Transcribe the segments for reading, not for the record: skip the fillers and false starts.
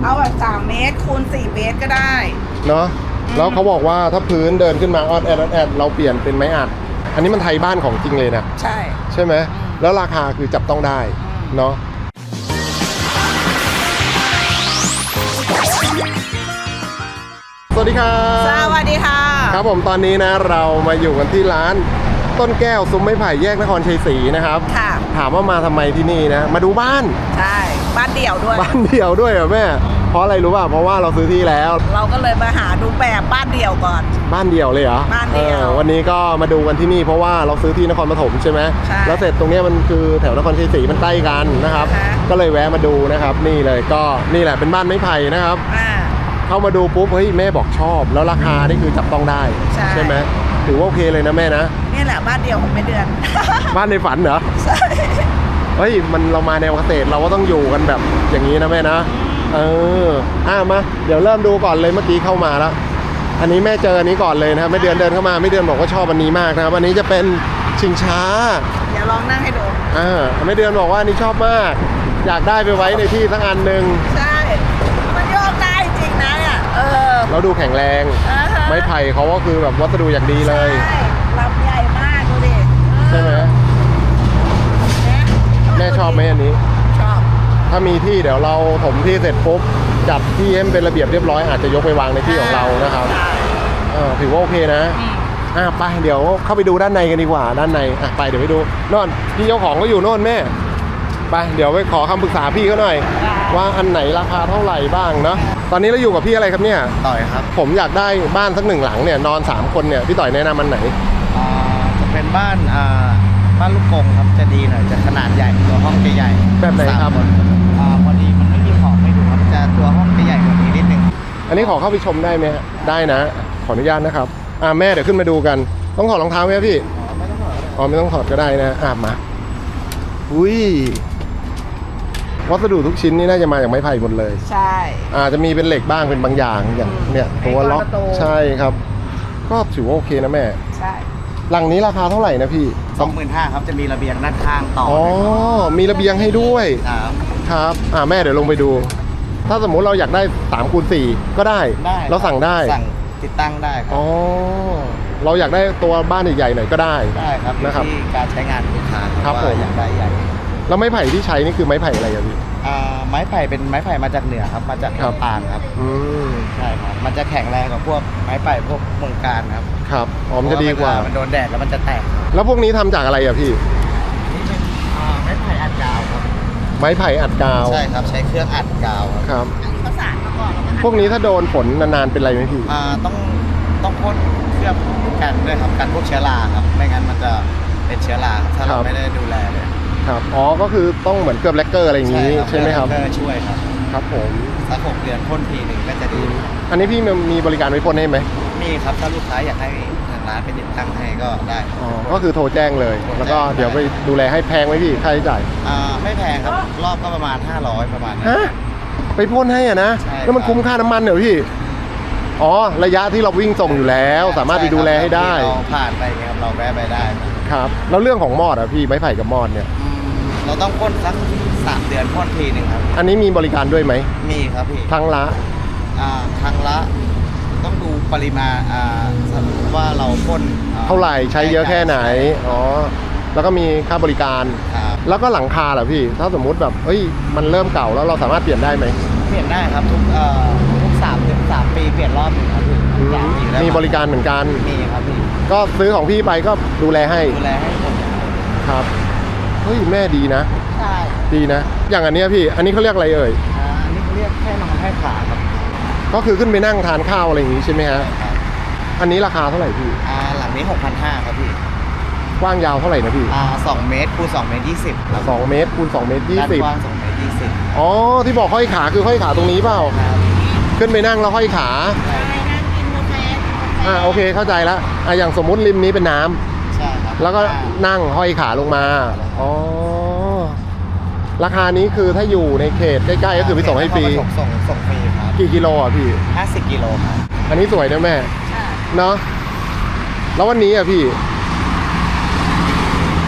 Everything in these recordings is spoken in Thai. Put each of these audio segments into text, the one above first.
เอาแบบ3 เมตรคูณ4 เมตรก็ได้เนาะแล้วเขาบอกว่าถ้าพื้นเดินขึ้นมาออดแอดเราเปลี่ยนเป็นไม้อัดอันนี้มันไทยบ้านของจริงเลยนะใช่ไหมแล้วราคาคือจับต้องได้เนาะสวัสดีครับสวัสดีค่ะครับผมตอนนี้นะเรามาอยู่กันที่ร้านต้นแก้วซุ้มไม้ไผ่แยกนครชัยศรีนะครับค่ะถามว่ามาทำไมที่นี่นะมาดูบ้านใช่บ้านเดี่ยวด้วยบ้านเดี่ยวด้วยเหรอแม่เพราะอะไรรู้ป่ะเพราะว่าเราซื้อที่แล้วเราก็เลยมาหาดูแบบบ้านเดี่ยวก่อนบ้านเดี่ยวเลยเหรอบ้านเดี่ยววันนี้ก็มาดูกันที่นี่เพราะว่าเราซื้อที่นครปฐมใช่ไหมแล้วเสร็จตรงนี้มันคือแถวนครชัยศรีมันใกล้กันนะครับก็เลยแวะมาดูนะครับนี่เลยก็นี่แหละเป็นบ้านไม้ไผ่นะครับเข้ามาดูปุ๊บเฮ้ยแม่บอกชอบแล้วราคานี่คือจับต้องได้ใช่ไหมถือว่าโอเคเลยนะแม่นะนี่แหละบ้านเดี่ยวของแม่เดือนบ้านในฝันเหรอใช่เฮ้ยมันเรามาแนวเกษตรเราก็ต้องอยู่กันแบบอย่างนี้นะแม่นะมาเดี๋ยวเริ่มดูก่อนเลยเมื่อกี้เข้ามาแล้วอันนี้แม่เจออันนี้ก่อนเลยนะครับแม่เดือนเดินเข้ามาแม่เดือนบอกว่าชอบอันนี้มากนะครับอันนี้จะเป็นชิงช้าเดี๋ยวลองนั่งให้ดูแม่เดือนบอกว่าอันนี้ชอบมากอยากได้ไปไว้ในที่สักอันหนึ่งใช่มันโยกได้จริงนะเนี่ยเราดูแข็งแรงไม้ไผ่เขาก็คือแบบวัสดุอย่างดีเลยใช่ลำใหญ่มากดูดิใช่ไหมแม่ชอบไหมอันนี้ชอบถ้ามีที่เดี๋ยวเราถมที่เสร็จปุ๊บจัดที่ให้เป็นระเบียบเรียบร้อยอาจจะยกไปวางในที่ของเรานะครับถือว่าโอเคนะไปเดี๋ยวเข้าไปดูด้านในกันดีกว่าด้านในไปเดี๋ยวไปดูโน่นพี่เจ้าของก็อยู่โน่นแม่ไปเดี๋ยวไปขอคำปรึกษาพี่เขาหน่อยว่าอันไหนราคาเท่าไหร่บ้างเนาะตอนนี้เราอยู่กับพี่อะไรครับเนี่ยต่อยครับผมอยากได้บ้านสัก1 หลังเนี่ยนอน3 คนเนี่ยพี่ต่อยแนะนำอันไหนจะเป็นบ้านลูกกงครับจะดีหน่อยจะขนาดใหญ่ตัวห้องจะใหญ่แบบไหนครับพอดีมันไม่มีของให้ดูครับจะตัวห้องจะใหญ่กว่านี้นิดนึงอันนี้ขอเข้าไปชมได้ไหมได้นะขออนุญาตนะครับแม่เดี๋ยวขึ้นมาดูกันต้องถอดรองเท้าไหมพี่ไม่ต้องถอดไม่ต้องถอดก็ได้นะมาอุ้ยวัสดุทุกชิ้นนี่น่าจะมาจากไม้ไผ่หมดเลยใช่จะมีเป็นเหล็กบ้างเป็นบางอย่างอย่างเนี่ยตัวล็อกใช่ครับก็ถือว่าโอเคนะแม่ใช่หลังนี้ราคาเท่าไหร่นะพี่ 25,000ครับจะมีระเบียงด้านข้างต่อมีระเบียงให้ด้วยครับแม่เดี๋ยวลงไปดูถ้าสมมุติเราอยากได้3x4ก็ได้เราสั่งติดตั้งได้ครับเราอยากได้ตัวบ้านใหญ่ๆหน่อยก็ได้ครับนะครับที่การใช้งานลูกค้าครับผมอยากได้ใหญ่แล้วไม้ไผ่ที่ใช้นี่คือไม้ไผ่อะไรครับพี่ไม้ไผ่เป็นไม้ไผ่มาจากเหนือครับมาจากลำปางครับใช่ครับมันจะแข็งแรงกว่าพวกไม้ไผ่พวกเมืองการครับมันจะดีกว่ามันโดนแดดแล้วมันจะแตกแล้วพวกนี้ทำจากอะไรอะพี่นี่เป็นไม้ไผ่อัดกาวครับไม้ไผ่อัดกาวใช่ครับใช้เครื่องอัดกาวครับประสานมาก่อนพวกนี้ถ้าโดนฝนนานๆเป็นไรไหมพี่ต้องพ่นเคลือบกันด้วยครับกันพวกเชื้อราครับไม่งั้นมันจะเป็นเชื้อราถ้าเราไม่ได้ดูแลเลยครับก็คือต้องเหมือนเกลือบแลกเกอร์อะไรอย่างนี้ใช่ไหมครับช่วยครับผมสัก6 เดือนพ่นทีหนึ่งก็จะดีอันนี้พี่มีบริการไว้พ่นให้ไหมมีครับถ้าลูกค้าอยากให้ทางร้านไปติดตั้งให้ก็ได้ก็คือโทรแจ้งเลยแล้วก็เดี๋ยวไปดูแลให้แพงไหมพี่ค่าใช้จ่ายไม่แพงครับรอบก็ประมาณ500ประมาณนี้ไปพ่นให้นะแล้วมันคุ้มค่าน้ำมันเหรอพี่ระยะที่เราวิ่งส่งอยู่แล้วสามารถไปดูแลให้ได้เราผ่านไปครับเราแวะไปได้ครับแล้วเรื่องของมอดพี่ไม้ไผ่กับมอดเนี่ยเราต้องพ่นสัก3 เดือนพ่นทีหนึ่งครับอันนี้มีบริการด้วยไหมมีครับพี่ครั้งละต้องดูปริมาณสมมติว่าเราพ่นเท่าไหร่ใช้เยอะแค่ไหนแล้วก็มีค่าบริการแล้วก็หลังคาเหรอพี่ถ้าสมมุติแบบมันเริ่มเก่าแล้วเราสามารถเปลี่ยนได้ไหมเปลี่ยนได้ครับทุก3 ปีเปลี่ยนรอบนึงครับมีบริการเหมือนกันมีครับพี่ก็ซื้อของพี่ไปก็ดูแลให้หมดครับแม่ดีนะใช่ดีนะอย่างอันนี้พี่อันนี้เขาเรียกอะไรเอ่ยอันนี้เขาเรียกแค่นอนให้ขาครับก็คือขึ้นไปนั่งทานข้าวอะไรอย่างนี้ใช่ไหมฮะอันนี้ราคาเท่าไหร่พี่หลังนี้ 6,500 ครับพี่กว้างยาวเท่าไหร่นะพี่ 2 เมตรคูณ2 เมตร 20ครับ 2 เมตรคูณ2 เมตร 20 กว้าง2 เมตร 20 ที่บอกห้อยขาคือห้อยขาตรงนี้เปล่าขึ้นไปนั่งแล้วห้อยขาโอเคเข้าใจแล้วอย่างสมมุติริมนี้เป็นน้ำใช่ครับแล้วก็นั่งห้อยขาลงมาราคานี้คือถ้าอยู่ในเขตใกล้ๆก็คือไปส่งให้ฟรีส่งฟรีครับกี่กิโลพี่ 50 กิโลครับอันนี้สวยนะแม่เนาะแล้ววันนี้พี่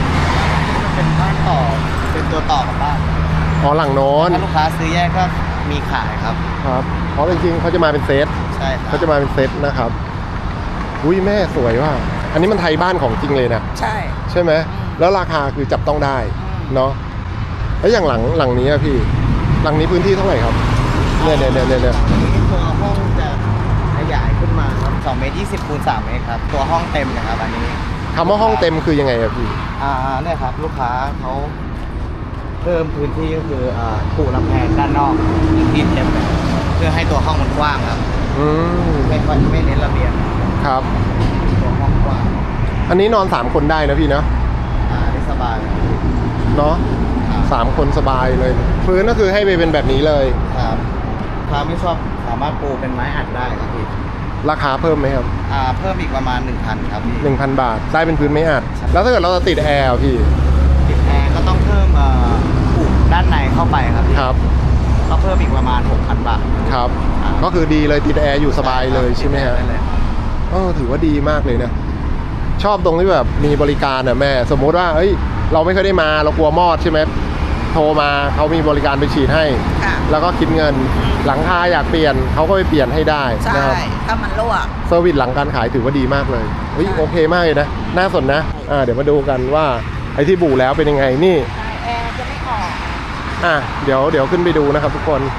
เป็นบ้านต่อเป็นตัวต่อกับบ้านหลังโน้นถ้าลูกค้าซื้อแยกก็มีขายครับครับเพราะจริงๆเขาจะมาเป็นเซตใช่ครับเขาจะมาเป็นเซตนะครับอุ้ยแม่สวยว่ะอันนี้มันไทยบ้านของจริงเลยนะใช่ใช่ไหมแล้วราคาคือจับต้องได้เนาะแล้วอย่างหลังนี้อะพี่หลังนี้พื้นที่เท่าไหร่ครับเนี่ยนี้ตัวห้องจะขยายขึ้นมาครับ2 เมตร 20 คูณ 3 เมตรครับตัวห้องเต็มนะครับอันนี้คำว่าห้องเต็มคือยังไงอะพี่เนี่ยครับลูกค้าเขาเพิ่มพื้นที่ก็คือปูลำแพงด้านนอกพื้นที่เต็มเลยเพื่อให้ตัวห้องมันกว้างครับอืมไม่เน้นระเบียงครับตัวห้องกว้างอันนี้นอน3คนได้นะพี่เนาะได้สบายครับเนาะครับ 3 คนสบายเลยพื้นก็คือให้ไปเป็นแบบนี้เลยครับถ้าไม่ชอบสามารถปูเป็นไม้อัดได้ครับพี่ราคาเพิ่มไหมครับเพิ่มอีกประมาณ 1,000 ครับพี่ 1,000 บาทได้เป็นพื้นไม่อัดแล้วถ้าเกิดเราจะติดแอร์อะพี่ติดแอร์ก็ต้องเพิ่มปูด้านในเข้าไปครับพี่ครับก็เพิ่มอีกประมาณ 6,000 บาทครับก็คือดีเลยติดแอร์อยู่สบายเลยใช่ไหมฮะด้เลยถือว่าดีมากเลยนะชอบตรงที่แบบมีบริการอ่ะแม่สมมุติว่าเอ้ยเราไม่เคยได้มาเรากลัวมอดใช่ไหมโทรมาเขามีบริการไปฉีดให้ค่ะแล้วก็คิดเงินหลังคาอยากเปลี่ยนเขาก็ไปเปลี่ยนให้ได้ใช่นะครับถ้ามันรั่วเซอร์วิสหลังการขายถือว่าดีมากเลยเฮ้ยใช่โอเคมากเลยนะน่าสนนะเดี๋ยวมาดูกันว่าไอ้ที่บู่แล้วเป็นยังไงนี่ใช่แอร์จะไม่ออกเดี๋ยวขึ้นไปดูนะครับทุกคน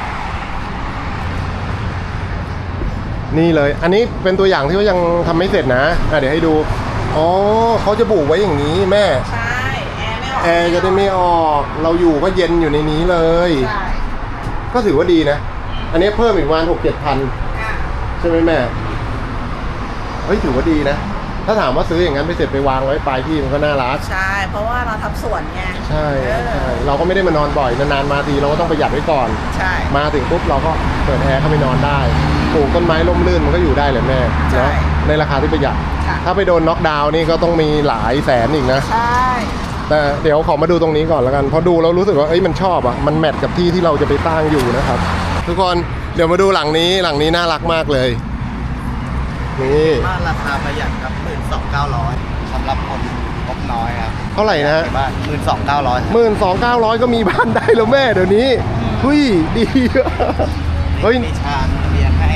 นี่เลยอันนี้เป็นตัวอย่างที่เขายังทำไม่เสร็จนะเดี๋ยวให้ดูอ๋อเขาจะบู่ไว้อย่างนี้แม่ใช่แอร์ไม่ออกแอร์จะได้ไม่ออกเราอยู่ก็เย็นอยู่ในนี้เลยใช่ก็ถือว่าดีนะอันนี้เพิ่มอีกประมาณ6-7 พันอ่ะใช่ไหมแม่เฮ้ยถือว่าดีนะถ้าถามว่าซื้ออย่างนั้นไปเสร็จไปวางไว้ปลายที่มันก็น่ารักใช่ เพราะว่าเราทำสวนไงใช่เออใช่เราก็ไม่ได้มานอนบ่อยนานๆมาทีเราก็ต้องประหยัดไว้ก่อนใช่มาถึงปุ๊บเราก็เปิดแอร์เข้าไปนอนได้ปลูกต้นไม้ร่มรื่นมันก็อยู่ได้เลยแม่ใช่เนาะในราคาที่ประหยัดค่ะถ้าไปโดนน็อกดาวน์นี่ก็ต้องมีหลายแสนอีกนะใช่แต่เดี๋ยวขอมาดูตรงนี้ก่อนแล้วกันพอดูแล้วรู้สึกว่าเอ้ยมันชอบอ่ะมันแมทกับที่ที่เราจะไปตั้งอยู่นะครับ ทุกคนเดี๋ยวมาดูหลังนี้น่ารักมากเลยนี่บ้านราคาประหยัดครับ 12,900สำหรับคนงบน้อยครับเท่าไหร่นะฮะบ้าน 12,900 12,900ก็มีบ้านได้แล้วแม่เดี๋ยวนี้เฮ้ยดีเฮ้ยมีชานเรียนให้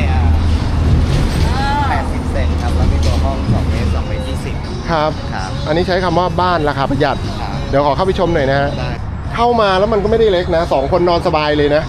80 เซนครับแล้วมีตัวห้อง2 เมตร 2 เมตร 20 ครับครับอันนี้ใช้คำว่าบ้านราคาประหยัดครับเดี๋ยวขอเข้าไปชมหน่อยนะฮะได้เข้ามาแล้วมันก็ไม่ได้เล็กนะ2 คนนอนสบายเลยนะ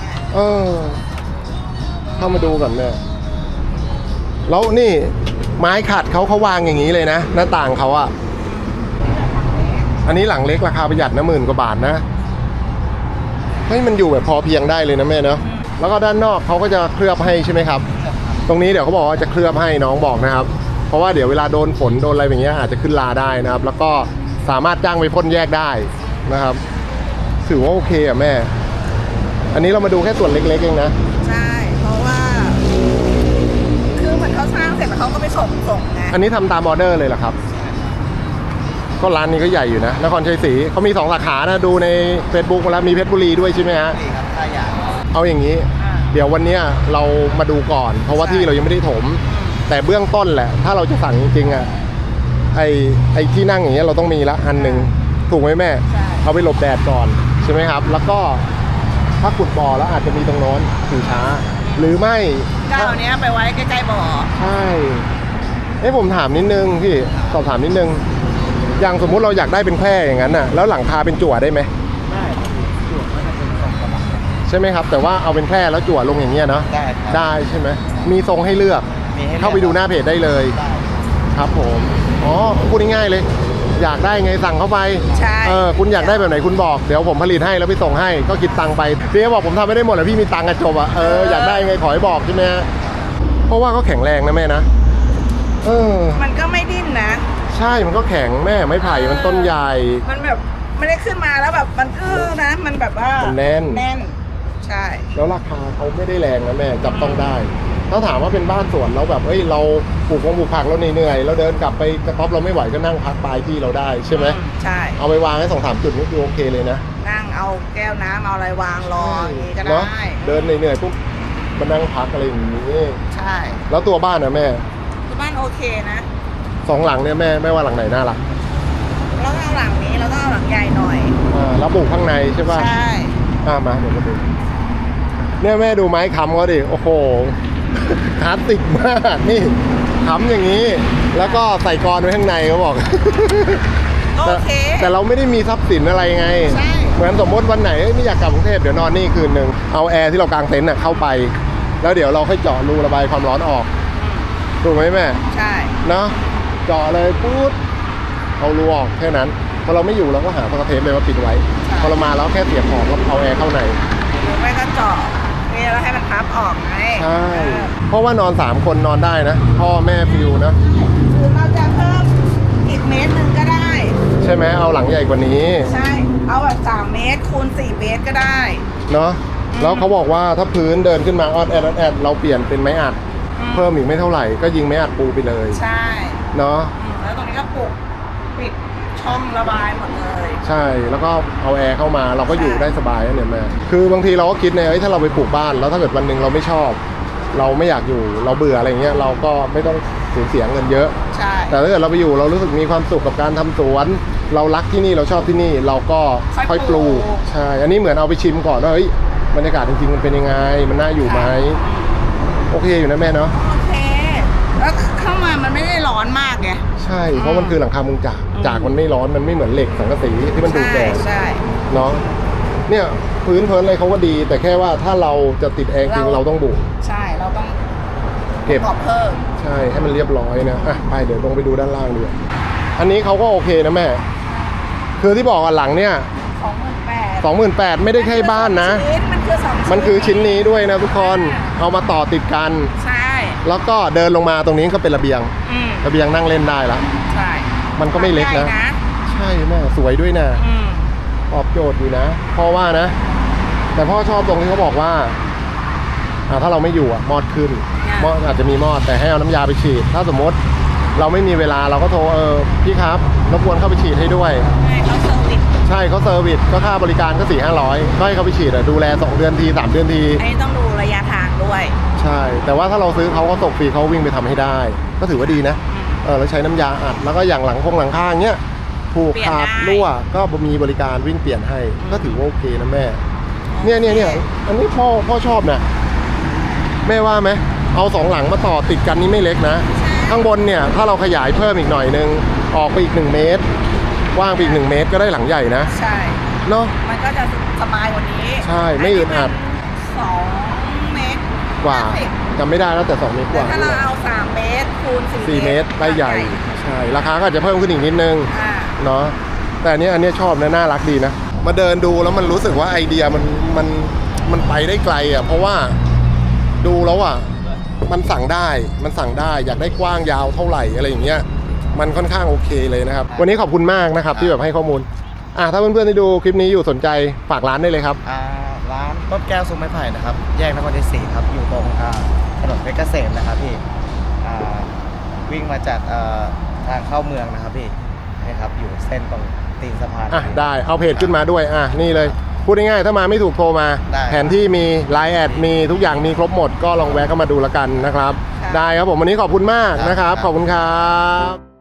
เข้ามาดูก่อนแม่แล้วนี่ไม้ขัดเขาวางอย่างนี้เลยนะหน้าต่างเขาอะอันนี้หลังเล็กราคาประหยัดนะ10,000 กว่าบาทนะเฮ้ยมันอยู่แบบพอเพียงได้เลยนะแม่เนาะแล้วก็ด้านนอกเขาก็จะเคลือบให้ใช่ไหมครับ ตรงนี้เดี๋ยวเขาบอกว่าจะเคลือบให้น้องบอกนะครับ เพราะว่าเดี๋ยวเวลาโดนฝนโดนอะไรอย่างเงี้ยอาจจะขึ้นลาได้นะครับ แล้วก็สามารถจ้างไปพ่นแยกได้นะครับถือว่าโอเคอะแม่ อันนี้เรามาดูแค่ส่วนเล็กๆเองนะใช่ เพราะว่า คือเหมือนเขาสร้างเสร็จแล้วเขาก็ไปส่งไงอันนี้ทำตามออเดอร์เลยเหรอครับ ก็ร้านนี้ก็ใหญ่อยู่นะนครชัยศรีเขามี2 สาขานะดูใน Facebook มาแล้วมีเพชรบุรีด้วยใช่ไหมฮะนี่ครับถ้าอยากเอาอย่างนี้ เดี๋ยววันเนี้ยเรามาดูก่อน เพราะว่าที่เรายังไม่ได้ถม แต่เบื้องต้นแหละ ถ้าเราจะสั่งจริงๆอ่ะไอ้ที่นั่งอย่างเงี้ยเราต้องมีละอันหนึ่งถูกไหมแม่ใช่เอาไปหลบแดดก่อนใช่ไหมครับ แล้วก็ถ้าขุดบ่อแล้วอาจจะมีตรงโน้นถือช้า หรือไม่เจ้าเนี้ยไปไว้ใกล้ๆบ่อใช่ผมถามนิดนึงพี่สอบถามนิดนึงอย่างสมมุติเราอยากได้เป็นแคร่อย่างนั้นน่ะแล้วหลังคาเป็นจั่วได้ไหมได้ครับจั่วก็จะเป็นทรงกระบะใช่ไหมครับแต่ว่าเอาเป็นแคร่แล้วจั่วลงอย่างเงี้ยเนาะได้ครับได้ใช่ไหมมีทรงให้เลือกมีให้ลือกเข้าไปดูหน้าเพจได้เลยได้ครับผมอ๋อพูดง่ายๆเลย อยากได้ไงสั่งเข้าไปใช่คุณอยากได้แบบไหนคุณบอกเดี๋ยวผมผลิตให้แล้วไปส่งให้ก็คิดตังค์ไปพี่ก็บอกผมทำไม่ได้หมดแล้วพี่มีตังค์กระจบอ่ะอยากได้ไงขอให้บอกใช่ไหมฮะเพราะว่าเขาแข็งแรงนะแม่นะมันก็ไม่ดิ้นนะใช่มันก็แข็งแม่ไม้ไผ่มันต้นใหญ่มันแบบไม่ได้ขึ้นมาแล้วแบบมันนะ มันแบบว่ามันแน่นใช่แล้วราคาเขาไม่ได้แรงนะแม่จับต้องได้ถ้าถามว่าเป็นบ้านสวนแล้วแบบเราปลูกผักเราเหนื่อยเราเดินกลับไปกระต๊อบเราไม่ไหวก็นั่งพักปลายที่เราได้ใช่ไหมใช่เอาไปวางให้2-3 จุดนี่คือโอเคเลยนะนั่งเอาแก้วน้ำเอาอะไรวางรออย่างนี้ก็เนาะได้เดินเหนื่อยๆปุ๊บมานั่งพักอะไรอย่างนี้ใช่แล้วตัวบ้านนะแม่ที่บ้านโอเคนะ 2 หลังเนี่ยแม่ไม่ว่าหลังไหนน่ารักแล้วก็เอาหลังนี้แล้วก็เอาหลังใหญ่หน่อยแล้วปลูกข้างในใช่ป่ะใช่มาเดี๋ยวมาดูเนี่ยแม่ดูไม้ค้ำเขาดิโอ้โหคลาสสิกมากนี่ค้ำอย่างนี้ แล้วก็ใส่กรอนไว้ข้างในเขาบอกโอเคแต่เราไม่ได้มีทรัพย์สินอะไรไงใช่เหมือนสมมติวันไหนไม่อยากกลับกรุงเทพเดี๋ยวนอนนี่คืนหนึ่งเอาแอร์ที่เรากางเต็นท์เข้าไป แล้วเดี๋ยวเราค่อยเจาะรูระบายความร้อนออกถูกไหมแม่ใช่เนาะเจาะเลยปุ๊บเอารูออกแค่นั้นพอเราไม่อยู่เราก็หาสกอตเทปเลยมาปิดไว้พอเรามาแล้วแค่เสียบออกแล้วเอาแอร์เข้าในหรือไม่ก็เจาะนี่แล้วให้มันพับออกไงใช่เพราะว่านอน3คนนอนได้นะพ่อแม่ฟิวนะหรือเราจะเพิ่มอีกเมตรหนึ่งก็ได้ใช่ไหมเอาหลังใหญ่กว่านี้ใช่ เอาแบบ3เมตรคูณ4เมตรก็ได้เนาะแล้วเขาบอกว่าถ้าพื้นเดินขึ้นมาออดแอดเราเปลี่ยนเป็นไม้อัดเพิ่มอีกไม่เท่าไหร่ก็ยิงไม้อัดปูไปเลยใช่เนาะแล้วตรงนี้ก็ปุกปิดช่องระบายหมดเลยใช่แล้วก็เอาแอร์เข้ามาเราก็อยู่ได้สบายนะเนี่ยแม่คือบางทีเราก็คิดเนี่ยถ้าเราไปปลูกบ้านแล้วถ้าเกิดวันหนึ่งเราไม่ชอบ เราไม่อยากอยู่เราเบื่ออะไรเงี้ยเราก็ไม่ต้องสูญเสียเงินเยอะใช่แต่ถ้าเกิดเราไปอยู่เรารู้สึกมีความสุขกับการทำสวน เรารักที่นี่เราชอบที่นี่เราก็ค่อยปลูกใช่อันนี้เหมือนเอาไปชิมก่อนว่าเฮ้ยบรรยากาศจริงๆมันเป็นยังไงมันน่าอยู่ไหมโอเคอยู่นะแม่เนาะโอเค แล้วเข้ามามันไม่ได้ร้อนมากไงใช่เพราะมันคือหลังคามุงจากมันไม่ร้อนมันไม่เหมือนเหล็กสังกะสีที่มันดูดแดดใช่เนาะเนี่ยพื้นเพลินอะไรเขาก็ดี แต่แค่ว่าถ้าเราจะติดแอร์จริงเราต้องบุกใช่เราต้องเก็บขอบเพิ่มใช่ให้มันเรียบร้อยนะอ่ะไปเดี๋ยวลงไปดูด้านล่างดีกว่าอันนี้เขาก็โอเคนะแม่คือที่บอกอ่ะหลังเนี่ย 28,000ไม่ได้แค่บ้านนะมันคือ2 มันคือชิ้นนี้ด้วยนะทุกคนเอามาต่อติดกันใช่แล้วก็เดินลงมาตรงนี้ก็เป็นระเบียงอืมระเบียงนั่งเล่นได้ละใช่มันก็ไม่เล็กนะใหญ่ใช่แม่สวยด้วยนะอืมตอบโจทย์อยู่นะพ่อว่านะ แต่พ่อชอบตรงที่เขาบอกว่าถ้าเราไม่อยู่มอดขึ้นมอดอาจจะมีมอดแต่ให้เอาน้ำยาไปฉีด ถ้าสมมติเราไม่มีเวลาเราก็โทรพี่ครับรบกวนเข้าไปฉีดให้ด้วยให้เขาเซอร์วิสใช่เขาเซอร์วิสก็ค่าบริการก็400-500ก็ให้เขาไปฉีดดูแล2 เดือนที3 เดือนทีอันนี้ต้องดูระยะทางด้วยใช่ แต่ว่าถ้าเราซื้อเขาก็ส่งฟรีเขาวิ่งไปทำให้ได้ ก็ถือว่าดีนะแล้วใช้น้ำยาอัดแล้วก็อย่างหลังคาเงี้ยผูกขาดรั่วก็มีบริการวิ่งเปลี่ยนให้ก็ถือว่าโอเคนะแม่เนี่ยอันนี้พ่อชอบนะแม่ว่าไหมเอา2หลังมาต่อติดกันนี่ไม่เล็กนะข้างบนเนี่ยถ้าเราขยายเพิ่มอีกหน่อยนึงออกไปอีก1 เมตรกว้างไปอีก1 เมตรก็ได้หลังใหญ่นะใช่เนาะมันก็จะสบายกว่านี้ใช่ไม่อึดอัด 2 เมตรกว่าจำไม่ได้แล้วแต่2 เมตรกแต่ว่าถ้าเราเอา3 เมตรคูณ 4 เมตรได้ใหญ่ใช่ราคาก็อาจจะเพิ่มขึ้นอีกนิดนึงอ่าเนาะแต่อันเนี้ยชอบนะน่ารักดีนะมาเดินดูแล้วมันรู้สึกว่าไอเดียมันไปได้ไกลอ่ะเพราะว่าดูแล้วอ่ะมันสั่งได้อยากได้กว้างยาวเท่าไหร่อะไรอย่างเงี้ยมันค่อนข้างโอเคเลยนะครับวันนี้ขอบคุณมากนะครับที่แบบให้ข้อมูลถ้าเพื่อนๆที่ดูคลิปนี้อยู่สนใจฝากร้านได้เลยครับร้านต้นแก้วซุ้มไม้ไผ่นะครับแยกนครชัย4ครับอยู่ตรงถนนเพชรเกษมนะครับพี่วิ่งมาจากทางเข้าเมืองนะครับพี่นี่ครับอยู่เส้นตรงตีนสะพานได้เอาเพจขึ้นมาด้วยนี่เลยพูดง่ายๆถ้ามาไม่ถูกโทรมาได้แผนที่มีไลน์แอดมีทุกอย่างมีครบหมดก็ลองแวะเข้ามาดูแล้วกันนะครับได้ครับผมวันนี้ขอบคุณมากนะครับขอบคุณครับ